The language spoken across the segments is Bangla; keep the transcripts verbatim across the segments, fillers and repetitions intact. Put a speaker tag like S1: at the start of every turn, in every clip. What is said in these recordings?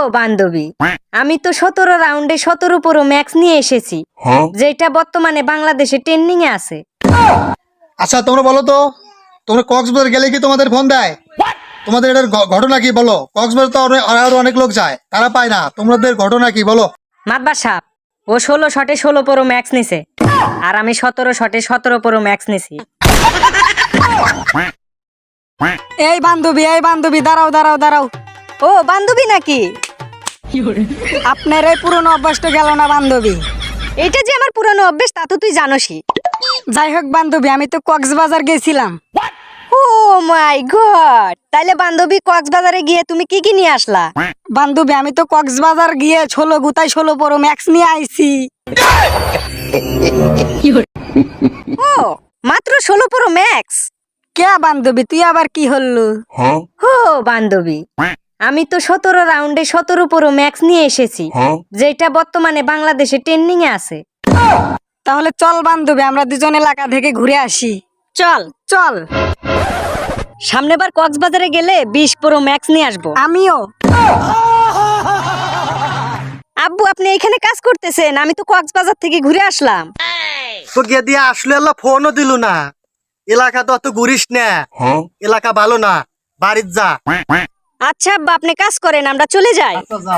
S1: বান্ধবী, আমি তো সতেরো রাউন্ডে সতেরো প্রো ম্যাক্স নিয়ে এসেছি, যেটা বর্তমানে বাংলাদেশে ট্রেন্ডিং এ আছে।
S2: আচ্ছা তোমরা বলো তো, তোমরা কক্সবাজার গেলে কি তোমাদের ফোন দেয়? তোমাদের এটার ঘ- ঘটনা কি বলো? কক্সবাজার তো অনেক- আরো অনেক লোক যায়, তারা পায় না, তোমাদের ঘটনা কি বলো?
S1: মাতবার সাপ, ও ষোলো শটে ষোলো প্রো ম্যাক্স নিছে, আর আমি সতেরো শটে সতেরো প্রো ম্যাক্স নিছি।
S3: এই বান্ধবী এই বান্ধবী দাঁড়াও দাঁড়াও দাঁড়াও।
S1: ও বান্ধবী নাকি?
S3: আপনার এই পুরনো অভ্যাসটা গেল না বান্ধবী।
S1: এটা যে আমার পুরানো অভ্যেস তা তো তুই জানোসই।
S3: যাই হোক বান্ধবী, আমি তো কক্সবাজার গেছিলাম।
S1: ও মাই গড, তাইলে বান্ধবী কক্সবাজারে গিয়ে তুমি কি কি নিয়ে আসলা?
S3: বান্ধবী আমি তো কক্সবাজার গিয়ে ষোলো গুতায় ষোলো প্রো ম্যাক্স নিয়ে আইছি।
S1: ও মাত্র ষোলো প্রো ম্যাক্স?
S3: কে বান্ধবী তুই আবার কি হল্লু?
S1: ও বান্ধবী, আমি তো সতেরো রাউন্ডে সতেরো প্রো ম্যাক্স নিয়ে এসেছি, যেটা বর্তমানে বাংলাদেশে ট্রেন্ডিং এ আছে।
S3: তাহলে চল বান্ধবী আমরা দুজন এলাকা থেকে ঘুরে আসি।
S1: চল
S3: চল।
S1: সামনেবার কক্সবাজারে গেলে বিশ প্রো ম্যাক্স নিয়ে আসবো।
S3: আমিও।
S1: আব্বু আপনি এখানে কাজ করতেছেন, আমি তো কক্সবাজার থেকে ঘুরে আসলাম।
S4: তো গিয়ে দিয়ে আসলে আল্লাহ ফোনও দিল না। এলাকা তো অত ঘুরিস না, এলাকা ভালো না, বাড়ির যা।
S1: আচ্ছা আব্বা আপনি কাজ করেন, আমরা চলে যাই।
S4: আচ্ছা, যাও।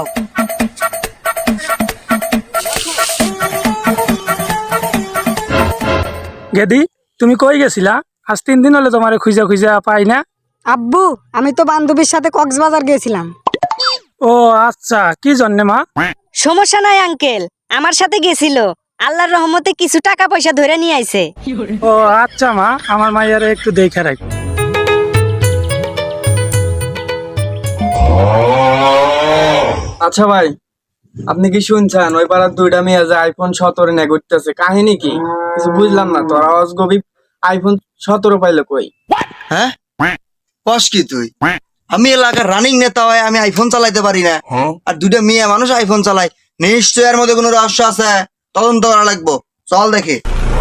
S5: গেদি, তুমি কই গেছিলা? আজ তিন দিন হলে তোমারে খুঁজা খুঁজা পাই না।
S3: আব্বু আমি তো বান্ধবীর সাথে কক্সবাজার গেছিলাম।
S5: ও আচ্ছা, কি জন্যে মা?
S1: সমস্যা নাই আঙ্কেল, আমার সাথে গেছিল, আল্লাহর রহমতে কিছু টাকা পয়সা ধরে নিয়ে আইছে।
S5: ও আচ্ছা মা, আমার মাইয়ারে একটু দেখে রাখ।
S6: আচ্ছা ভাই, আপনি কি শুনছেন ওই পাড়ার দুইটা মেয়ে যে আইফোন সতেরো নিয়ে ঘুরতেছে? কাহিনী কি কিছু বুঝলাম না। তোর আওয়াজ গভীর, আইফোন সতেরো পাইলে কই?
S4: হ্যাঁ কস কি তুই? আমি এলাকার রানিং নেতা হয়, আমি আইফোন চালাইতে পারি না, আর দুইটা মেয়ে মানুষ আইফোন চালায়। নিশ্চয় এর মধ্যে কোনো রহস্য আছে, তদন্ত করা লাগবো। চল দেখি।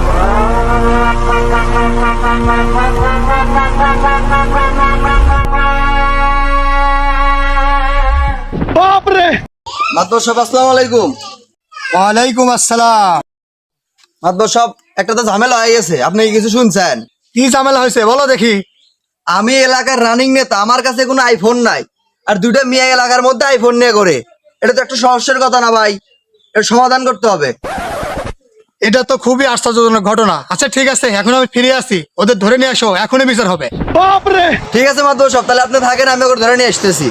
S4: মাতবর সাহেব আসসালামু আলাইকুম।
S2: ওয়ালাইকুম আসসালাম।
S4: মাতবর সাহেব একটা তো ঝামেলা হয়ে গেছে, আপনি কি কিছু শুনছেন?
S2: কি ঝামেলা হয়েছে বলো দেখি।
S4: আমি এলাকার রানিং নেতা, আমার কাছে কোনো আইফোন নাই, আর দুইটা মেয়ে এলাকার মধ্যে আইফোন নিয়ে করে। এটা তো একটা সমস্যার কথা না ভাই, এর সমাধান করতে হবে।
S2: এটা তো খুবই আশ্চর্যজনক ঘটনা। আচ্ছা ঠিক আছে, এখন আমি ফিরে আসি, ওদের ধরে নিয়ে আসো, এখনই বিচার হবে।
S4: ঠিক আছে মাতবর সাহেব, তাহলে আপনি থাকেন, আমি ওকে ধরে নিয়ে আসতেছি।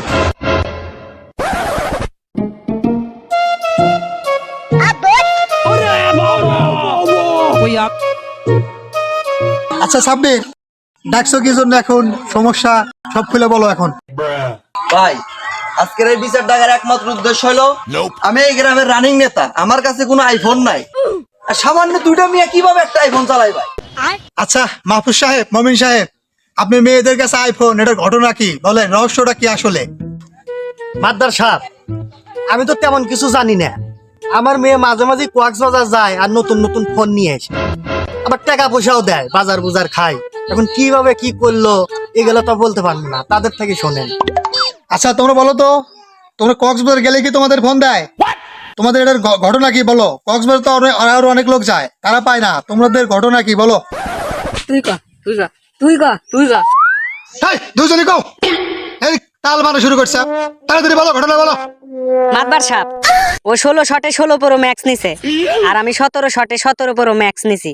S2: আচ্ছা সাব্বির, ডাকছো কি জন্য, এখন সমস্যা সব খুলে বলো এখন।
S4: ভাই আজকের এই বিচার ডাকার একমাত্র উদ্দেশ্য হলো, আমি এই গ্রামের রানিং নেতা, আমার কাছে কোনো আইফোন নাই, আর সামান্য দুইটা মেয়ে কিভাবে একটা আইফোন চালাই ভাই?
S2: আচ্ছা মাহফুজ সাহেব, মমিন সাহেব, আপনি মেয়েদের কাছে আইফোন, এটার ঘটনা কি বলেন, রহস্যটা কি আসলে?
S4: মাদ্দার সাহেব, আমি তো তেমন কিছু জানি না। আমার মেয়ে মাঝে মাঝে কক্সবাজার যায় আর নতুন নতুন ফোন নিয়ে আসে, আবার টাকা পয়সাও দেয়, বাজার বুজার খায়। এখন কিভাবে কি করলো এগুলো তো বলতে পারবো না, তাদের থেকে শোনেন।
S2: আচ্ছা তোমরা বলো তো, তোমরা কক্সবাজার গেলে কি তোমাদের ফোন দেয়? তোমাদের এটার ঘ- ঘটনা কি বলো? কক্সবাজার তো অনেক- আরো অনেক লোক যায়, তারা পায় না, তোমাদের ঘটনা কি বলো?
S3: তুই ক তুই ক তুই ক তুই ক
S2: এই দুজনই কও, এই তাল মারা শুরু করছে, তাড়াতাড়ি বলো ঘটনা বলো।
S1: মাতবার সাপ, ও ষোলো শটে ষোলো প্রো ম্যাক্স নিছে, আর আমি সতেরো শটে সতেরো প্রো ম্যাক্স নিছি।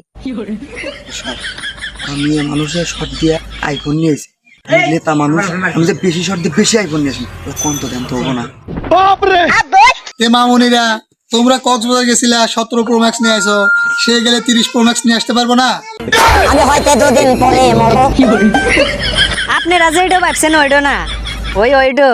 S4: আমি মানুষের শর্ট দিয়ে আইফোন নিয়েছি, নেতা মানুষ, আমি যে বেশি শর্ট দিয়ে বেশি আইফোন নিয়েছি, কোন তো দেন তো হবো না।
S2: এ মামুনিরা, তোমরা কক্সবাজার গেছিলে সতেরো প্রো ম্যাক্স নিয়ে আসো, সে গেলে তিরিশ প্রো ম্যাক্স নিয়ে আসতে পারবো না?
S1: আপনারা যেটা ভাবছেন ওইডো না, ওই ওইডো।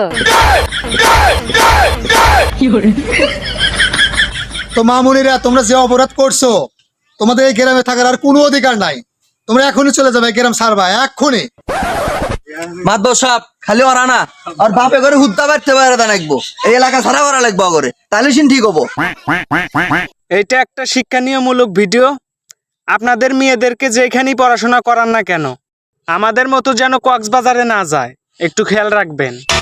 S2: তো মামুনিরা, তোমরা যে অপরাধ করছো, তোমাদের এই গ্রামে থাকার আর কোনো অধিকার নাই, তোমরা এখনই চলে যাবে, গ্রাম ছাড়বা এক্ষুনি।
S4: মাতবর সাহেব খালি ওরা না, আর বাপে করে হুদ্দা বাড়তে পারে তা লাগবো, এই এলাকা ছাড়া করা লাগবো করে, তাহলে সিন ঠিক হবো।
S7: এটা একটা শিক্ষানীয়মূলক ভিডিও। আপনাদের মেয়েদেরকে যেখানেই পড়াশোনা করান না কেন, আমাদের মতো যেন কক্সবাজারে না যায়, একটু খেয়াল রাখবেন।